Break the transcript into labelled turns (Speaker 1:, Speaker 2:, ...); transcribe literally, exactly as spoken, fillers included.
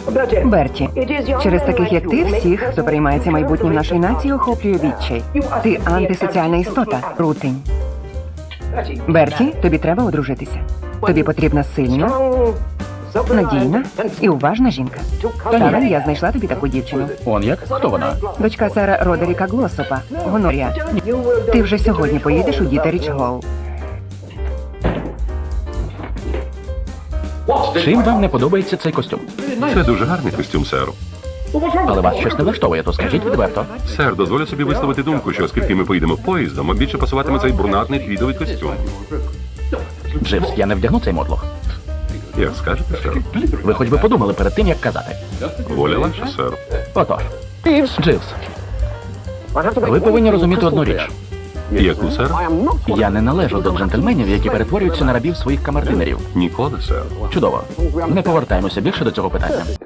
Speaker 1: Берті, через таких як ти, всіх, хто переймається майбутнім нашої нації, охоплює відчай. Ти антисоціальна істота, рутень. Берті, тобі треба одружитися. Тобі потрібна сильна, надійна і уважна жінка. Сара, я знайшла тобі таку дівчину.
Speaker 2: Он як? Хто вона?
Speaker 1: Дочка Сара Родеріка Глосопа, Гонорія. Ти вже сьогодні поїдеш у Дітеріч Голл.
Speaker 2: Чим вам не подобається цей костюм?
Speaker 3: Це дуже гарний костюм, сер.
Speaker 2: Але вас щось не влаштовує, то скажіть відверто.
Speaker 3: Сер, дозволю собі висловити думку, що оскільки ми поїдемо поїздом, а більше пасуватиме цей брунатний твідовий костюм.
Speaker 2: Дживс, я не вдягну цей мотлох.
Speaker 3: Як скажете, сер?
Speaker 2: Ви хоч би подумали перед тим, як казати.
Speaker 3: Воля ваша, сер.
Speaker 2: Отож. Дживс, ви повинні розуміти одну річ.
Speaker 3: Яку, сер?
Speaker 2: Я не належу до джентльменів, які перетворюються на рабів своїх камердинерів.
Speaker 3: Ніколи, сер.
Speaker 2: Чудово. Не повертаємося більше до цього питання.